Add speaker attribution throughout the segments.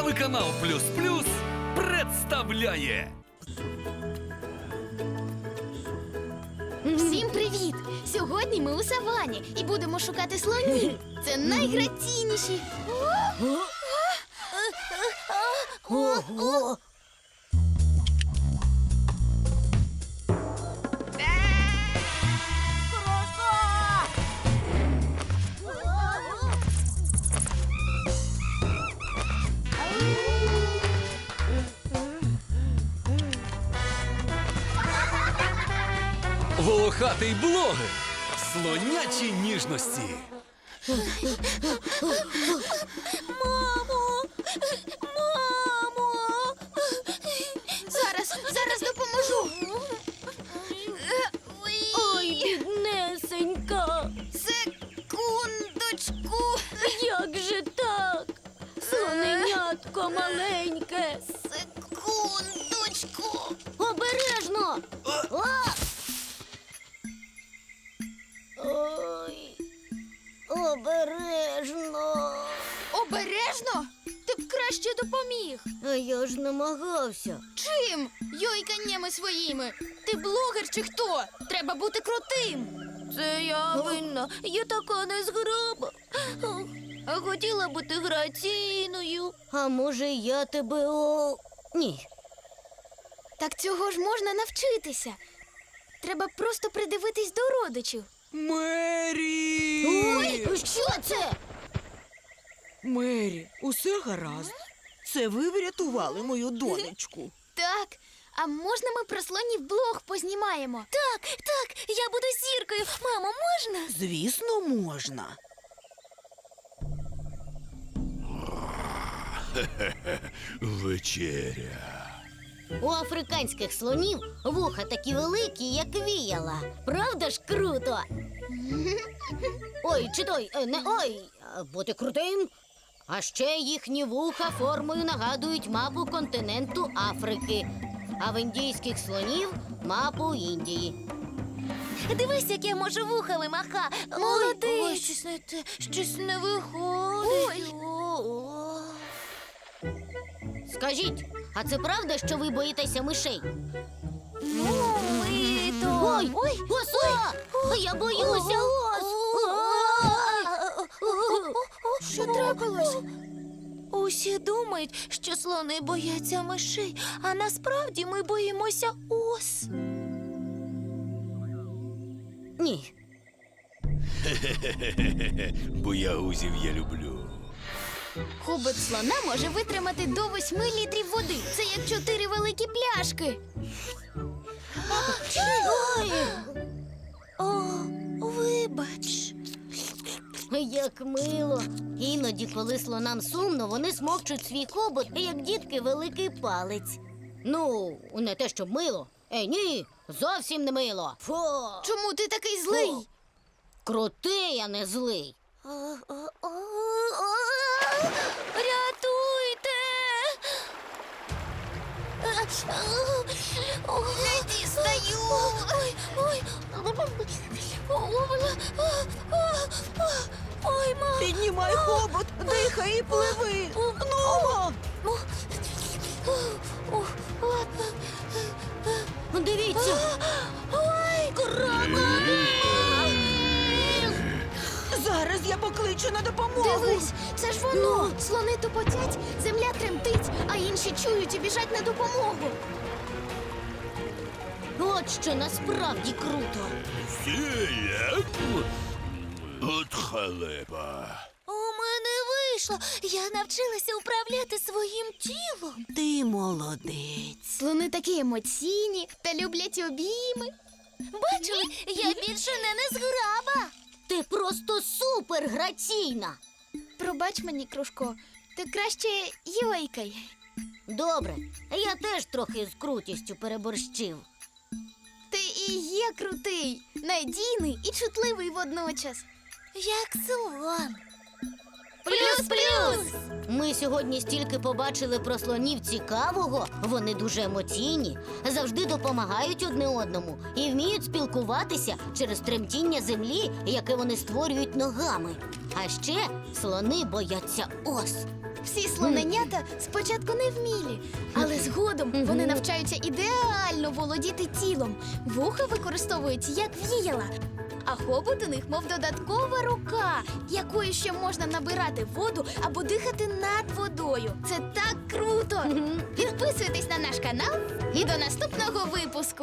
Speaker 1: Телеканал Плюс Плюс представляє.
Speaker 2: Всім привіт! Сьогодні ми у савані і будемо шукати слонів. Це найграційніші.
Speaker 3: Ого!
Speaker 1: Волохатий блогер. Слонячі ніжності.
Speaker 2: Мамо! Мамо! Зараз допоможу.
Speaker 3: Ой, біднесенька!
Speaker 2: Секундочку.
Speaker 3: Як же так? Слоненятко маленьке!
Speaker 2: Секундочку.
Speaker 3: Обережно! А! Ой, обережно!
Speaker 2: Обережно? Ти б краще допоміг.
Speaker 3: А я ж намагався.
Speaker 2: Чим? Йойканнями своїми. Ти блогер чи хто? Треба бути крутим.
Speaker 3: Це я винна, я така незграба. А хотіла бути граційною. А може я тебе Ні.
Speaker 2: Так цього ж можна навчитися. Треба просто придивитись до родичів.
Speaker 1: Мері!
Speaker 2: Ой, що це?
Speaker 4: Мері, усе гаразд. Це ви врятували мою донечку.
Speaker 2: Так, а можна ми про слонів блог познімаємо? Так, я буду зіркою. Мамо, можна?
Speaker 4: Звісно, можна.
Speaker 1: Вечеря.
Speaker 3: У африканських слонів вуха такі великі, як віяла. Правда ж круто? Ой, чи той, не ой, бути крутим. А ще їхні вуха формою нагадують мапу континенту Африки, а в індійських слонів мапу Індії.
Speaker 2: Дивись, як я можу вухами маха. Молодець.
Speaker 3: Ой, щось не виходить. Скажіть, а це правда, що ви боїтеся мишей? Ой, оса! Я боюся ос!
Speaker 2: Що трапилось?
Speaker 5: Усі думають, що слони бояться мишей, а насправді ми боїмося ос.
Speaker 3: Ні.
Speaker 1: Боягузів я люблю.
Speaker 2: Хобот слона може витримати до 8 літрів води. Це як 4 великі пляшки.
Speaker 3: Ой,
Speaker 5: О, вибач.
Speaker 3: як мило. Іноді, коли слонам сумно, вони смокчуть свій хобот, як дітки великий палець. Ну, не те, щоб мило. Ні, зовсім не мило. Фу.
Speaker 2: Чому ти такий злий?
Speaker 3: Крутий, а не злий.
Speaker 5: Рятуйте!
Speaker 2: Не дістаю.
Speaker 5: Ой, мам!
Speaker 4: Піднімай хобот, дихай і пливи. Ну!
Speaker 3: Дивіться.
Speaker 5: Ой,
Speaker 4: Зараз я покличу на допомогу.
Speaker 2: Дивись, це ж воно. Слони тупотять, земля тремтить, а інші чують і біжать на допомогу.
Speaker 3: От що насправді круто.
Speaker 1: Фіє. От халепа.
Speaker 5: У мене вийшло. Я навчилася управляти своїм тілом.
Speaker 4: Ти молодець.
Speaker 2: Слони такі емоційні та люблять обійми.
Speaker 5: Бачили, я більше не незграба.
Speaker 3: Ти просто супер граційна.
Speaker 2: Пробач мені, Кружко, ти краще йойкай.
Speaker 3: Добре, я теж трохи з крутістю переборщив.
Speaker 2: Ти і є крутий, надійний і чутливий водночас.
Speaker 5: Як слон.
Speaker 2: Плюс-плюс!
Speaker 3: Ми сьогодні стільки побачили про слонів цікавого. Вони дуже емоційні, завжди допомагають одне одному і вміють спілкуватися через тремтіння землі, яке вони створюють ногами. А ще слони бояться ос.
Speaker 2: Всі слоненята спочатку не вмілі, але згодом вони навчаються ідеально володіти тілом. Вуха використовують як віяла, а хобот у них мов додаткова рука, якою ще можна набирати воду або дихати над водою. Це так круто! Підписуйтесь на наш канал і до наступного випуску!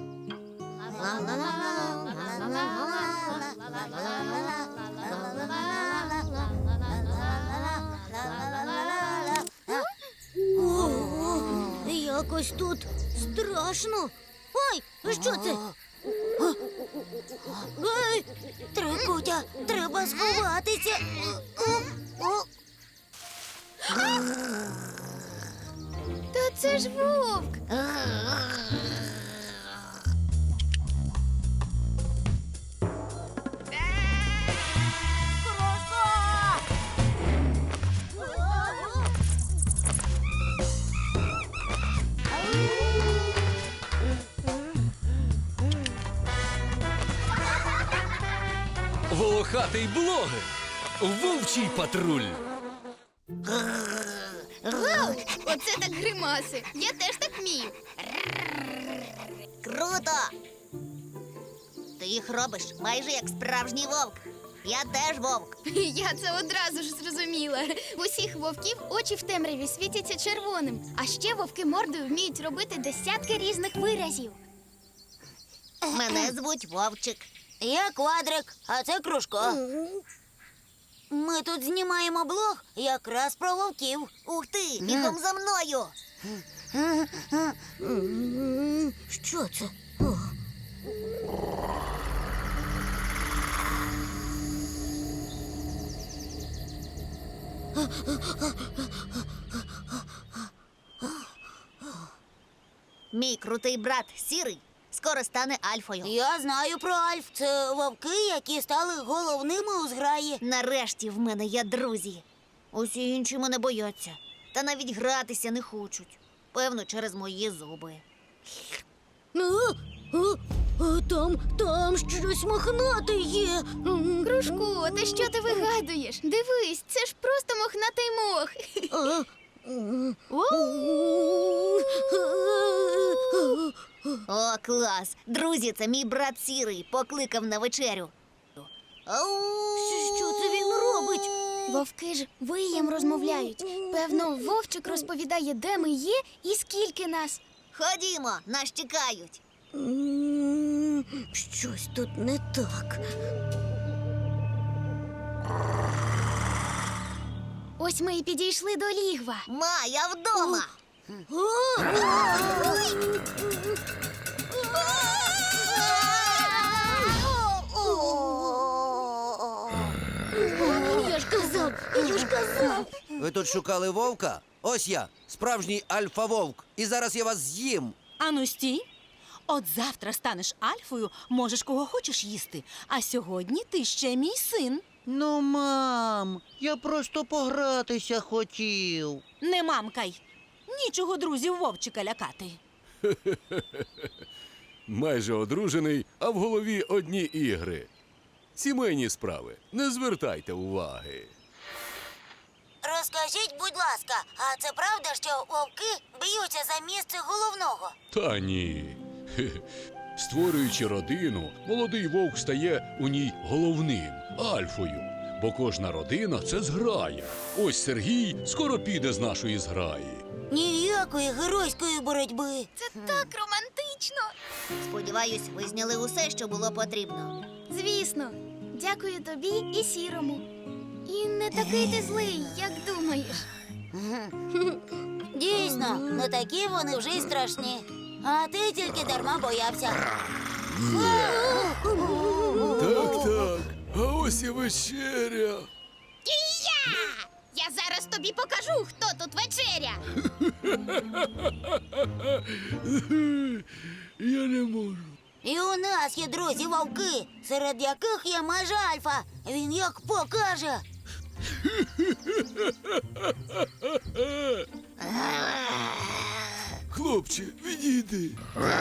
Speaker 3: Якось тут страшно. Ой, що це? Ей, Трикутя, треба сховатися.
Speaker 2: Та це ж вовк!
Speaker 1: Волохатий блогер. Вовчий патруль.
Speaker 2: Вау! Оце так гримаси! Я теж так вмію!
Speaker 3: Круто! Ти їх робиш майже як справжній вовк. Я теж вовк.
Speaker 2: Я це одразу ж зрозуміла. У усіх вовків очі в темряві світяться червоним. А ще вовки мордою вміють робити десятки різних виразів.
Speaker 3: Мене звуть Вовчик. Я Квадрик, а це Кружко. Ми тут знімаємо блог якраз про вовків. Ух ти, бігом за мною. Що це? Мій крутий брат Сірий скоро стане Альфою. Я знаю про Альф. Це вовки, які стали головними у зграї. Нарешті в мене є друзі. Усі інші мене бояться. Та навіть гратися не хочуть. Певно, через мої зуби. Там щось мохнате є.
Speaker 2: Кружку, та що ти вигадуєш? Дивись, це ж просто мохнатий мох.
Speaker 3: О, клас! Друзі, це мій брат Сірий покликав на вечерю. Що це він робить?
Speaker 2: Вовки ж виєм розмовляють. Певно, вовчик розповідає, де ми є і скільки нас.
Speaker 3: Ходімо, нас чекають. Щось тут не так.
Speaker 2: Ось ми і підійшли до лігва.
Speaker 3: Ма, я вдома. Я ж казав.
Speaker 6: Ви тут шукали вовка? Ось я, справжній альфа-вовк. І зараз я вас з'їм.
Speaker 4: Ану, стій. От завтра станеш Альфою, можеш кого хочеш їсти. А сьогодні ти ще мій син.
Speaker 7: Ну, мам, я просто погратися хотів.
Speaker 4: Не мамкай. Нічого друзів вовчика лякати.
Speaker 1: Майже одружений, а в голові одні ігри. Сімейні справи. Не звертайте уваги.
Speaker 3: Розкажіть, будь ласка, а це правда, що вовки б'ються за місце головного?
Speaker 1: Та ні. Хе-хе. Створюючи родину, молодий вовк стає у ній головним, альфою. Бо кожна родина – це зграя. Ось Сергій скоро піде з нашої зграї.
Speaker 3: Ніякої геройської боротьби.
Speaker 2: Це так романтично.
Speaker 3: Сподіваюсь, ви зняли усе, що було потрібно.
Speaker 2: Звісно, дякую тобі і Сірому. І не такий ти злий, як думаєш.
Speaker 3: Дійсно, не такі вони вже й страшні. А ти тільки дарма боявся.
Speaker 1: Так, а ось і вечеря.
Speaker 2: Я зараз тобі покажу, хто тут вечеря.
Speaker 1: Я не можу.
Speaker 3: І у нас є друзі-вовки, серед яких є майже Альфа. Він як покаже.
Speaker 1: Хлопче, відійди.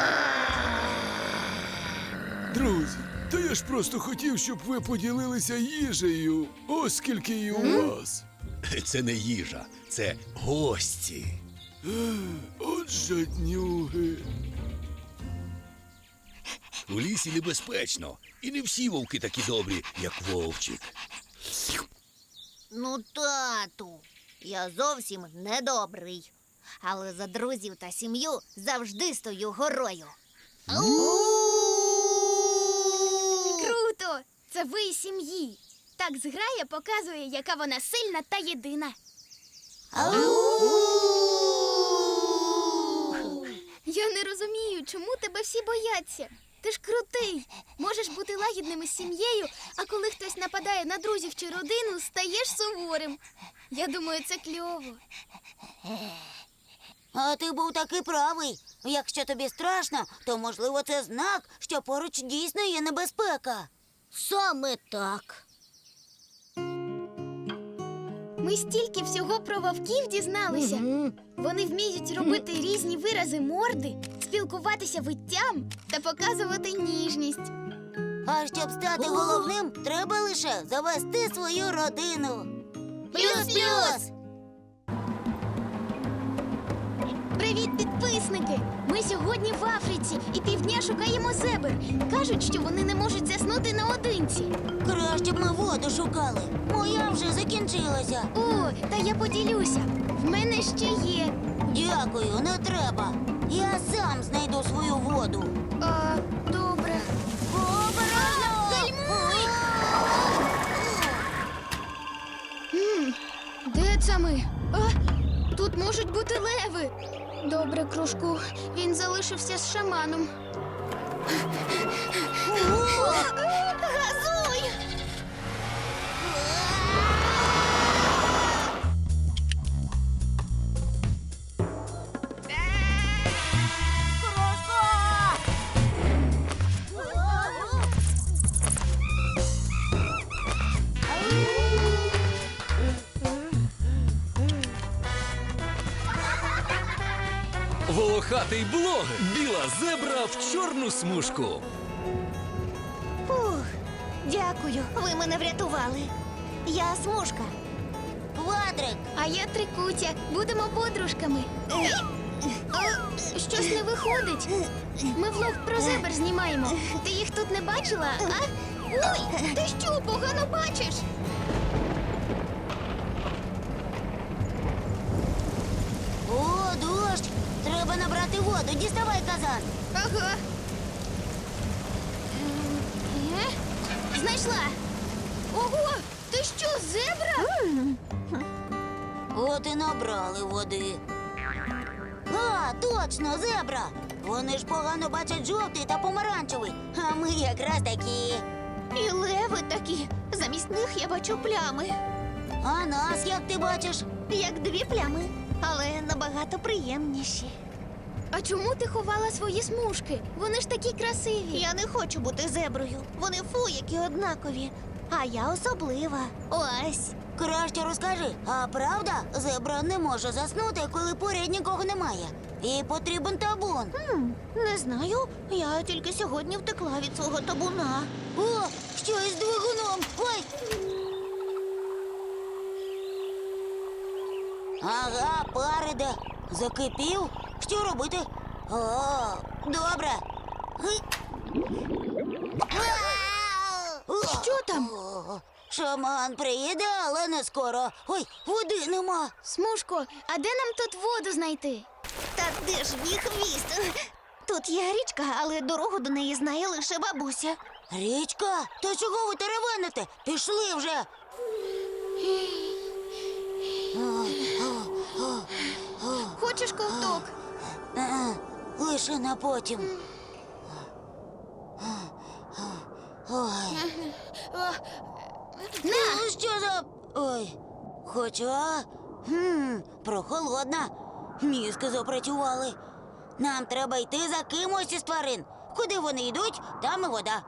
Speaker 1: Друзі, та я ж просто хотів, щоб ви поділилися їжею, оскільки і у вас. Це не їжа, це гості. От жаднюги. У лісі небезпечно, і не всі вовки такі добрі, як вовчик.
Speaker 3: Ну, тату, я зовсім недобрий. Але за друзів та сім'ю завжди стою горою.
Speaker 2: Круто! Це ви із сім'ї. Так зграя показує, яка вона сильна та єдина. Я не розумію, чому тебе всі бояться. Ти ж крутий. Можеш бути лагідним із сім'єю, а коли хтось нападає на друзів чи родину, стаєш суворим. Я думаю, це кльово.
Speaker 3: А ти був таки правий. Якщо тобі страшно, то, можливо, це знак, що поруч дійсно є небезпека. Саме так.
Speaker 2: Ми стільки всього про вовків дізналися. Вони вміють робити різні вирази морди, спілкуватися виттям та показувати ніжність.
Speaker 3: А щоб стати головним, треба лише завести свою родину. Плюс-плюс!
Speaker 2: Привіт, підписники! Ми сьогодні в Африці і півдня шукаємо зебр. Кажуть, що вони не можуть заснути наодинці.
Speaker 3: Краще б ми воду шукали. Моя вже закінчилася.
Speaker 2: О, та я поділюся. В мене ще є.
Speaker 3: Дякую, не треба. Я сам знайду свою воду.
Speaker 2: Добре.
Speaker 3: Обережно!
Speaker 2: Гальмуй! Де це ми? Тут можуть бути леви. Добре, кружку. Він залишився з шаманом. Газуй!
Speaker 1: Волохатий блог. Біла зебра в чорну смужку.
Speaker 5: Дякую, ви мене врятували. Я Смужка.
Speaker 3: Квадрик!
Speaker 2: А я Трикутя. Будемо подружками. Щось не виходить. Ми влог про зебр знімаємо. Ти їх тут не бачила, а? Ой, ти що, погано бачиш?
Speaker 3: О, дощ! Треба набрати воду. Діставай казан.
Speaker 2: Ага. Знайшла. Ого, ти що, зебра?
Speaker 3: От і набрали води. А, точно, зебра! Вони ж погано бачать жовтий та помаранчевий, а ми якраз такі.
Speaker 5: І леви такі. Замість них я бачу плями.
Speaker 3: А нас як ти бачиш?
Speaker 5: Як дві плями, але набагато приємніші.
Speaker 2: А чому ти ховала свої смужки? Вони ж такі красиві.
Speaker 5: Я не хочу бути зеброю. Вони фу, які однакові. А я особлива. Ось.
Speaker 3: Краще розкажи, а правда, зебра не може заснути, коли поряд нікого немає? І потрібен табун.
Speaker 5: Не знаю. Я тільки сьогодні втекла від свого табуна.
Speaker 3: О, що із двигуном? Ой! Ага, пар іде. Закипів? Що робити? О, добре. Гей.
Speaker 2: Що там?
Speaker 3: О, шаман приїде, але не скоро. Ой, води нема.
Speaker 2: Смужко, а де нам тут воду знайти?
Speaker 5: Та де ж мій хвіст? Тут є річка, але дорогу до неї знає лише бабуся.
Speaker 3: Річка? То чого ви теревените? Пішли вже.
Speaker 2: Хочеш ковток?
Speaker 3: Лише на потім. Ой. Ну, що за... Ой. Хоча... прохолодна. Мізки запрацювали. Нам треба йти за кимось із тварин. Куди вони йдуть, там і вода.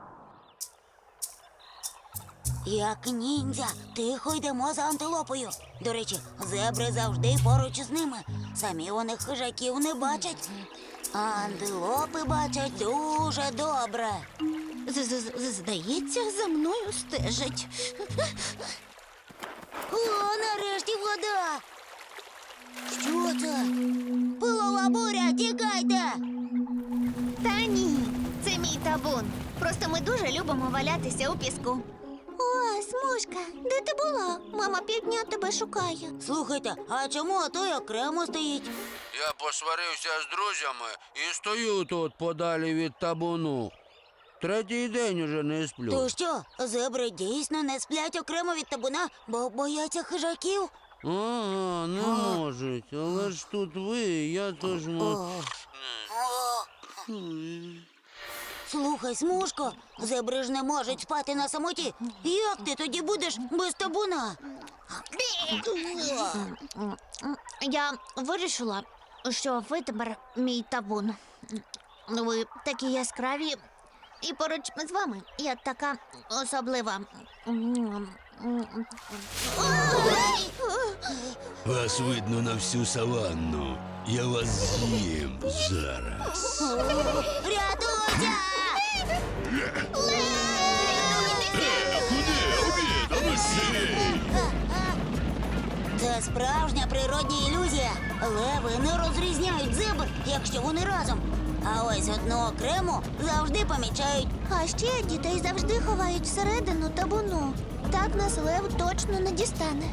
Speaker 3: Як ніндзя, тихо йдемо за антилопою. До речі, зебри завжди поруч з ними. Самі вони хижаків не бачать. А антилопи бачать дуже добре.
Speaker 5: Здається, за мною стежать.
Speaker 3: О, нарешті вода. Що це? Пилова буря, тікайте!
Speaker 2: Та ні, це мій табун. Просто ми дуже любимо валятися у піску.
Speaker 5: О, Смужка, де ти була? Мама півдня тебе шукає.
Speaker 3: Слухайте, а чому той окремо стоїть?
Speaker 6: Я посварився з друзями і стою тут подалі від табуну. Третій день уже не сплю.
Speaker 3: То що, зебри дійсно не сплять окремо від табуна, бо бояться хижаків?
Speaker 6: Ага, не можуть. Але ж тут ви, я тож
Speaker 3: Слухай, Смужко, зебри ж не можуть спати на самоті. Як ти тоді будеш без табуна?
Speaker 2: Я вирішила, що ви тепер мій табун. Ви такі яскраві, і поруч з вами я така особлива.
Speaker 1: Вас видно на всю саванну. Я вас з'їм зараз.
Speaker 3: Рятуйся! Це справжня природня ілюзія. Леви не розрізняють зебр, якщо вони разом. А ось одну окрему завжди помічають.
Speaker 5: А ще дітей завжди ховають всередину табуну. Так нас лев точно не дістане.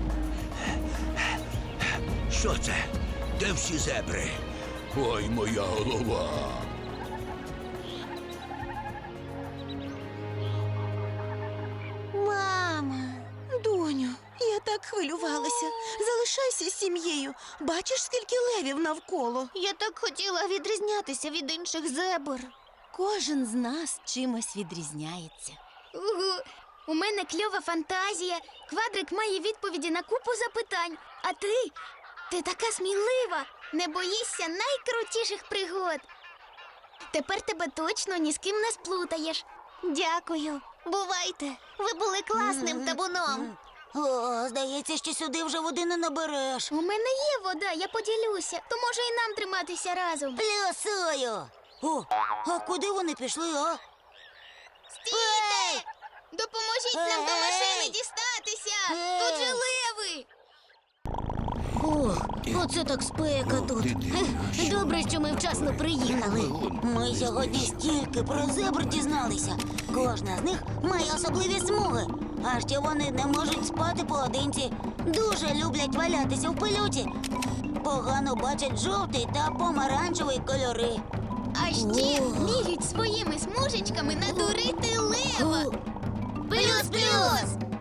Speaker 1: Що це? Де всі зебри? Ой, моя голова.
Speaker 5: Мама.
Speaker 4: Доню, я так хвилювалася. Залишайся з сім'єю. Бачиш, скільки левів навколо.
Speaker 2: Я так хотіла відрізнятися від інших зебр.
Speaker 4: Кожен з нас чимось відрізняється.
Speaker 2: Угу. У мене кльова фантазія. Квадрик має відповіді на купу запитань. А ти така смілива. Не боїшся найкрутіших пригод. Тепер тебе точно ні з ким не сплутаєш. Дякую. Бувайте. Ви були класним табуном.
Speaker 3: О, здається, що сюди вже води не набереш.
Speaker 2: У мене є вода, я поділюся. То може і нам триматися разом.
Speaker 3: Плюсую. О, а куди вони пішли, а?
Speaker 2: Стійте! Допоможіть нам до машини
Speaker 3: Ей!
Speaker 2: дістатися!
Speaker 3: Ей!
Speaker 2: Тут же леви!
Speaker 3: Ох, оце так спека тут. Добре, що ми вчасно приїхали. Ми сьогодні стільки про зебр дізналися. Кожна з них має особливі смуги. А ще вони не можуть спати поодинці. Дуже люблять валятися в пилюці. Погано бачать жовтий та помаранчевий кольори.
Speaker 2: А ще вміють своїми смужечками надурити лева.
Speaker 3: Плюс-плюс!